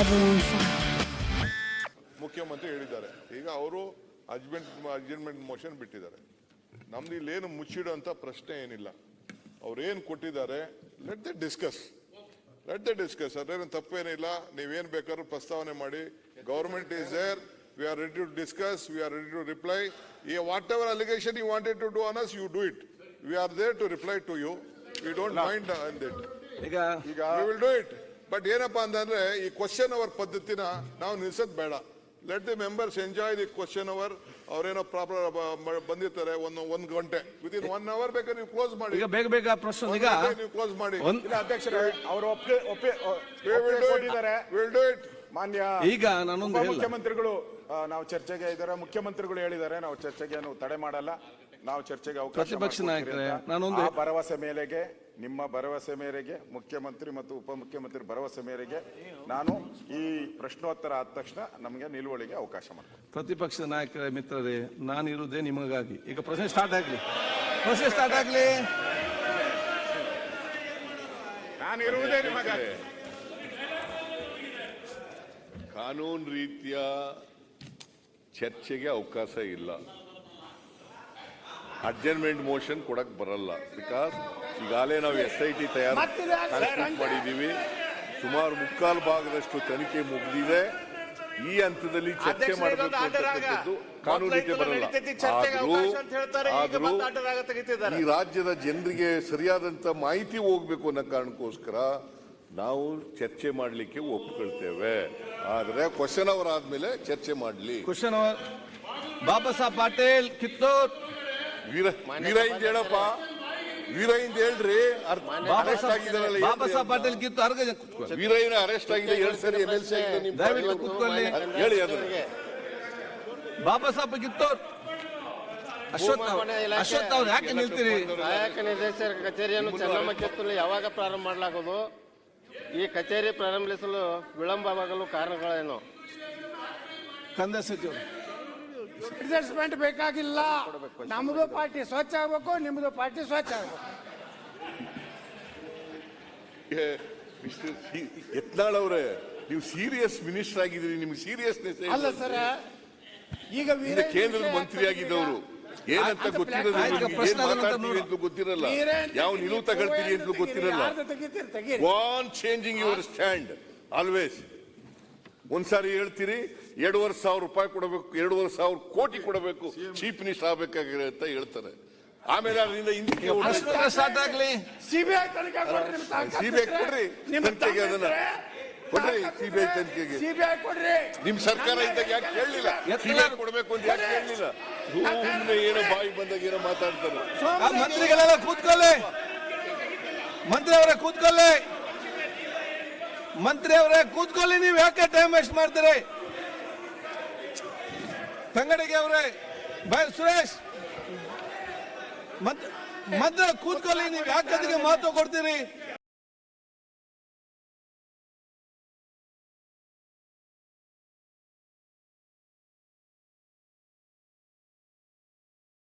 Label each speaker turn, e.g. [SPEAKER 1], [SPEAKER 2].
[SPEAKER 1] ಮುಖ್ಯಮಂತ್ರಿ ಹೇಳಿದ್ದಾರೆ, ಈಗ ಅವರು ಅಡ್ಜರ್ಮೆಂಟ್ ಮೋಷನ್ ಬಿಟ್ಟಿದ್ದಾರೆ. ನಮ್ದು ಇಲ್ಲೇನು ಮುಚ್ಚಿಡುವಂತ ಪ್ರಶ್ನೆ ಏನಿಲ್ಲ. ಅವ್ರೇನು ಕೊಟ್ಟಿದ್ದಾರೆ ಲೆಟ್ ದ ಡಿಸ್ಕಸ್ ಅದೇನು ತಪ್ಪೇನಿಲ್ಲ. ನೀವೇನ್ ಬೇಕಾದ್ರೂ ಪ್ರಸ್ತಾವನೆ ಮಾಡಿ. Government is there, we are ready to discuss, we are ready to reply. Whatever allegation you wanted to do on us, you do it. We are there to reply to you. We don't mind on that. We will do it. But ಏನಪ್ಪಾ ಅಂತಂದ್ರೆ ಈ question hour ಪದ್ಧತಿನ ನಾವು ನಿಲ್ಸೋದ್ ಬೇಡ. Let the members enjoy the question hour. ಅವ್ರೇನೋ proper ಬಂದಿರ್ತಾರೆ ಒಂದು ಗಂಟೆ, ವಿದಿನ್ 1 hour ಬೇಕಾದ್ರೆ ನೀವು ಕ್ಲೋಸ್ ಮಾಡಿ.
[SPEAKER 2] ಈಗ ಬೇಗ ಪ್ರಶ್ನೆ ಈಗ
[SPEAKER 1] ನೀವು ಕ್ಲೋಸ್ ಮಾಡಿ.
[SPEAKER 3] ಅಧ್ಯಕ್ಷರೇ ಅವರು ಒಪ್ಪಿದ್ದಾರೆ.
[SPEAKER 1] Will do it.
[SPEAKER 3] ಮಾನ್ಯ
[SPEAKER 2] ಈಗ ನಾನೊಂದು
[SPEAKER 3] ಮುಖ್ಯಮಂತ್ರಿಗಳು ನಾವು ಚರ್ಚೆಗೆ ಇದ್ದಾರೆ. ಮುಖ್ಯಮಂತ್ರಿಗಳು ಹೇಳಿದ್ದಾರೆ ನಾವು ಚರ್ಚೆಗೆ ತಡೆ ಮಾಡಲ್ಲ, ನಾವು ಚರ್ಚೆಗೆ ಅವಕಾಶ.
[SPEAKER 2] ಪ್ರತಿಪಕ್ಷ ನಾಯಕರೇ, ನಾನೊಂದು
[SPEAKER 3] ಭರವಸೆ ಮೇರೆಗೆ, ನಿಮ್ಮ ಭರವಸೆ ಮೇರೆಗೆ, ಮುಖ್ಯಮಂತ್ರಿ ಮತ್ತು ಉಪಮುಖ್ಯಮಂತ್ರಿ ಭರವಸೆ ಮೇರೆಗೆ ನಾನು ಈ ಪ್ರಶ್ನೋತ್ತರ ಆದ ತಕ್ಷಣ ನಮಗೆ ನಿಲುವಳಿಗೆ ಅವಕಾಶ ಮಾಡ್ತೀನಿ.
[SPEAKER 2] ಪ್ರತಿಪಕ್ಷ ನಾಯಕರ ಮಿತ್ರರೇ, ನಾನಿರುವುದೇ ನಿಮಗಾಗಿ. ಈಗ ಪ್ರಶ್ನೆ ಸ್ಟಾರ್ಟ್ ಆಗ್ಲಿ.
[SPEAKER 3] ನಾನಿರುವುದೇ ನಿಮಗಾಗಿ.
[SPEAKER 1] ಕಾನೂನು ರೀತಿಯ ಚರ್ಚೆಗೆ ಅವಕಾಶ ಇಲ್ಲ. ಅಡ್ಜರ್ಮೆಂಟ್ ಮೋಷನ್ ಕೊಡಕ್ ಬರಲ್ಲ. ಬಿಕಾಸ್ ಈಗಾಗಲೇ ನಾವು SIT ತಯಾರು ಮಾಡಿದ್ದೀವಿ. ಸುಮಾರು 3/4 ಭಾಗದಷ್ಟು ತನಿಖೆ ಮುಗಿದಿದೆ. ಈ ಹಂತದಲ್ಲಿ ಚರ್ಚೆ ಮಾಡಬೇಕು ಅಂತಕ್ಕಂಥದ್ದು ಕಾನೂನು ರೀತಿ ಬರಲ್ಲ. ಆದರೂ ಈ ರಾಜ್ಯದ ಜನರಿಗೆ ಸರಿಯಾದಂತ ಮಾಹಿತಿ ಹೋಗ್ಬೇಕು ಅನ್ನೋ ಕಾರಣಕ್ಕೋಸ್ಕರ ನಾವು ಚರ್ಚೆ ಮಾಡಲಿಕ್ಕೆ ಒಪ್ಕೊಳ್ತೇವೆ. ಆದ್ರೆ ಕ್ವಶನ್ ಅವರ್ ಆದ್ಮೇಲೆ ಚರ್ಚೆ ಮಾಡಲಿ.
[SPEAKER 2] Question hour Baba Saheb Patil Kittur.
[SPEAKER 1] ವೀರೈಂದ್ ಹೇಳಪ್ಪ, ವೀರೈಂದ್ ಹೇಳ್ರಿ.
[SPEAKER 2] ಬಾಬಾ ಸಾಹೇಬ್ ಪಾಟೀಲ್ ಕಿತ್ತೂರ್
[SPEAKER 1] ವೀರಯ್ಯನ ಅರೆಸ್ಟ್ ಆಗಿದೆ 2 ಸರಿ MLC ಆಗಿದೆ.
[SPEAKER 2] ದಯವಿಟ್ಟು ಕೂತ್ಕೊಳ್ಳಿ,
[SPEAKER 1] ಹೇಳಿ ಅದನ್ನ.
[SPEAKER 2] ಬಾಬಾ ಸಾಹೇಬ್ ಕಿತ್ತೂರ್. ಅಶ್ವಥ್ ಅವ್ರು ಯಾಕೆ ನಿಲ್ತೀರಿ?
[SPEAKER 4] ಸಹಾಯಕ ನಿರ್ದೇಶಕರ ಕಚೇರಿಯನ್ನು ಚೆನ್ನಮ್ಮ ಕಿತ್ತೂರಲ್ಲಿ ಯಾವಾಗ ಪ್ರಾರಂಭ ಮಾಡಲಾಗುವುದು? ಈ ಕಚೇರಿ ಪ್ರಾರಂಭಿಸಲು ವಿಳಂಬವಾಗಲು ಕಾರಣಗಳೇನು?
[SPEAKER 2] ಕಂದಾಯ ಸಚಿವರು.
[SPEAKER 5] ಅಡ್ಜಸ್ಟ್ಮೆಂಟ್ ಬೇಕಾಗಿಲ್ಲ. ನಮ್ದು ಪಾರ್ಟಿ ಸ್ವಚ್ಛ ಆಗ್ಬೇಕು, ನಿಮ್ದು ಪಾರ್ಟಿ ಸ್ವಚ್ಛ ಆಗ್ಬೇಕು.
[SPEAKER 1] ಯತ್ನಾಳ್ ಅವರೇ, ನೀವು ಸೀರಿಯಸ್ ಮಿನಿಸ್ಟರ್ ಆಗಿದ್ದೀರಿ, ನಿಮ್ಗೆ ಸೀರಿಯಸ್ನೆಸ್
[SPEAKER 5] ಅಲ್ಲ ಸರ್. ಈಗ
[SPEAKER 1] ಕೇಂದ್ರದ ಮಂತ್ರಿ ಆಗಿದ್ದವರು ಏನಂತ ಗೊತ್ತಿರಲ್ಲ, ಏನ್ ಮಾತಾಡ್ತೀವಿ ಅಂತ ಗೊತ್ತಿರಲ್ಲ, ಯಾವ ನಿಲುವು ತಗೊಳ್ತೀರಿ ಅಂತ ಗೊತ್ತಿರಲ್ಲ. Won changing your stand always. ಒಂದ್ಸಾರಿ ಹೇಳ್ತೀರಿ 2,500 ರೂಪಾಯಿ ಕೊಡಬೇಕು, 2,500 ಕೋಟಿ ಕೊಡಬೇಕು, ಚೀಫ್ ಮಿನಿಸ್ಟರ್ ಆಗ್ಬೇಕಾಗಿದೆ ಅಂತ ಹೇಳ್ತಾರೆ. ಆಮೇಲೆ ಅದರಿಂದ ಹಿಂದಕ್ಕೆ
[SPEAKER 2] ಸ್ಟಾರ್ಟ್ ಆಗ್ಲಿ.
[SPEAKER 5] ಸಿಬಿಐ ತನಿಖೆ ಕೊಡ್ರಿ,
[SPEAKER 1] ತನಿಖೆಗೆ ಅದನ್ನ ಕೊಡ್ರಿ. ಸಿಬಿಐ ತನಿಖೆಗೆ
[SPEAKER 5] ಕೊಡ್ರಿ.
[SPEAKER 1] ನಿಮ್ ಸರ್ಕಾರ ಇದ್ದಾಗ ಯಾಕೆ ಕೇಳಲಿಲ್ಲ? ಸಿಬಿಐ ಕೊಡ್ಬೇಕು ಅಂತ ಯಾಕೆ ಕೇಳಲಿಲ್ಲ? ಸುಮ್ಮನೆ ಏನೋ ಬಾಯಿ ಬಂದಾಗ ಏನೋ ಮಾತಾಡ್ತಾರೆ.
[SPEAKER 2] ಮಂತ್ರಿಗಳೆಲ್ಲ ಕೂತ್ಕೊಳ್ಳಿ. ಮಂತ್ರಿ ಅವರೇ ಕೂತ್ಕೊಳ್ಳಿ. ನೀವು ಯಾಕೆ ಟೈಮ್ ವೇಸ್ಟ್ ಮಾಡ್ತೀರಿ? ತಂಗಡಿಗೆ ಅವರೇ, ಸುರೇಶ್ ಮಂತ್ರಿ ಕೂತ್ಕೊಳ್ಳಿ. ನೀವು ಯಾಕೆ ಅದಕ್ಕೆ ಮಾತು ಕೊಡ್ತೀರಿ?